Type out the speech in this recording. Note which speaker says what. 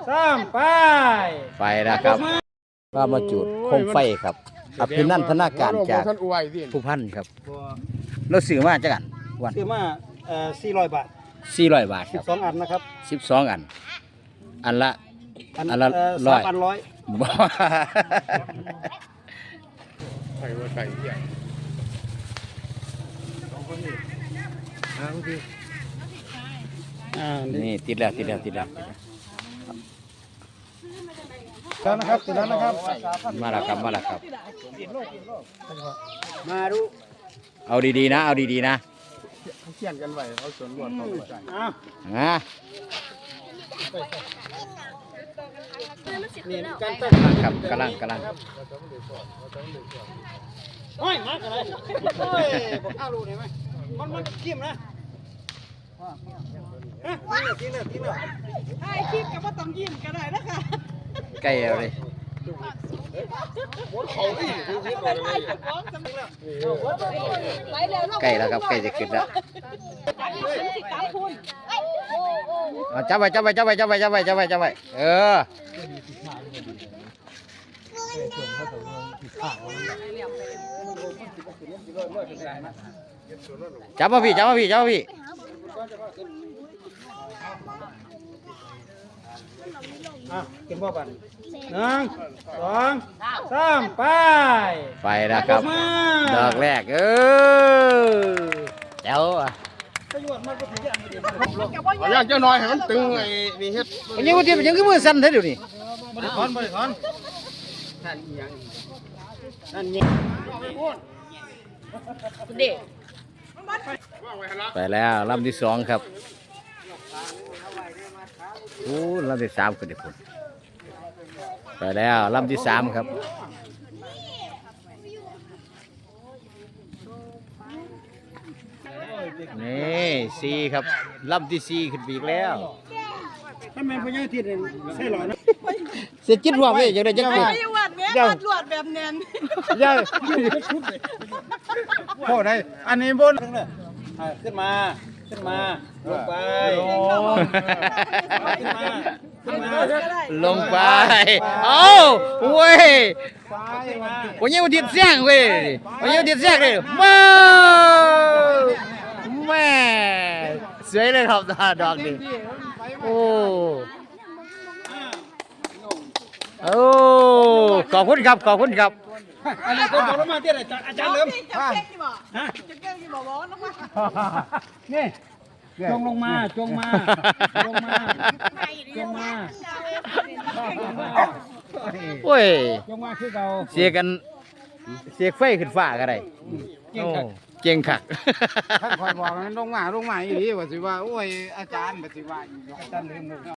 Speaker 1: 3ไป
Speaker 2: แล้วครับว่ามาจุดโคมไฟครับอภินันทนาการจากผู้พันครับเราซื้อมาจากกันวัน
Speaker 1: ซื้อมา400 บาท
Speaker 2: 400 บาทครับ
Speaker 1: 12 อันนะครับ
Speaker 2: 12 อันอันละ
Speaker 1: 3 อัน 100
Speaker 2: บ่
Speaker 3: ไก่ว่าไก่เหี้ย
Speaker 2: นี่ติดแล้ว
Speaker 1: แล้วนะครับติดแล้วนะครับ
Speaker 2: มาแล้วครับ
Speaker 1: มาดู
Speaker 2: เอาดีๆนะเอาดีๆนะ
Speaker 3: เขียนกันไว้เขาสวนรวดเขาไม่ใส่
Speaker 1: นี่การเต้น
Speaker 2: ครับกำลัง
Speaker 1: โอ้ยมากันเลยโอ้ยบอกข้าวรู้เห็นไหมมันกิ้มนะฮะทิ้งเลย
Speaker 4: ไอ้คลิปกับว่าต้องยิ้มก็ได้นะคะ
Speaker 2: ใกล้แล้วเลยใกล้แล้วครับใกล้จะขึ้นแล้วจับไว้เออจับมาพี่
Speaker 1: กินบ่บัน1 2 3ไป
Speaker 2: แล้วครับดอกแรกเจ้า
Speaker 3: อยากจะน้อยให้มันตึงไอ้นี่เฮ็ด
Speaker 2: วันนี้วันที่ยังคือมือสั่นเท่าเดี๋ยวนี้
Speaker 1: บ่ได้ถอนนั่นยิง
Speaker 4: เด็ก
Speaker 2: ไปแล้วลำที่2ครับโอ้ลำที่3ก็ได้ผลไปแล้วลำที่3ครับนี่4ครับลำที่4ขึ้นไปอีกแล้ว
Speaker 1: ถ้าแม่นพญาทิตย์ใช่หรอนะ
Speaker 2: เสียจิตหัวไปอย่างไรจังเลย
Speaker 4: ไม่วัดแม่วัดลวดแบบเนียน
Speaker 1: ย่าโอ้ได้อันนี้บนขึ้นมาลงไป
Speaker 2: ลงไปเอ้าเว้ยวันนี้วันที่เสียงเว้ยวันนี้วันที่เสียงเลยมาแม่สวยเลยครับดอกนี้โอ้ขอบคุณครับ
Speaker 1: อันนี้ก็บอกมาที่ไหนอาจารย์เริ่ม
Speaker 4: จะเก่งที่บอกจะเก่งที่บอกว่าน้องว่า
Speaker 1: นี่จงมา
Speaker 2: โอ้ย
Speaker 1: จงมาคือเรา
Speaker 2: เสียไฟขึ้นฟ้าก็ได้เก่งคัก
Speaker 3: ท่านคอยบอกมันลงมาอีหลีว่าสิว่าโอ้ยอาจารย์ว่าสิว่าอาจารย์ลืม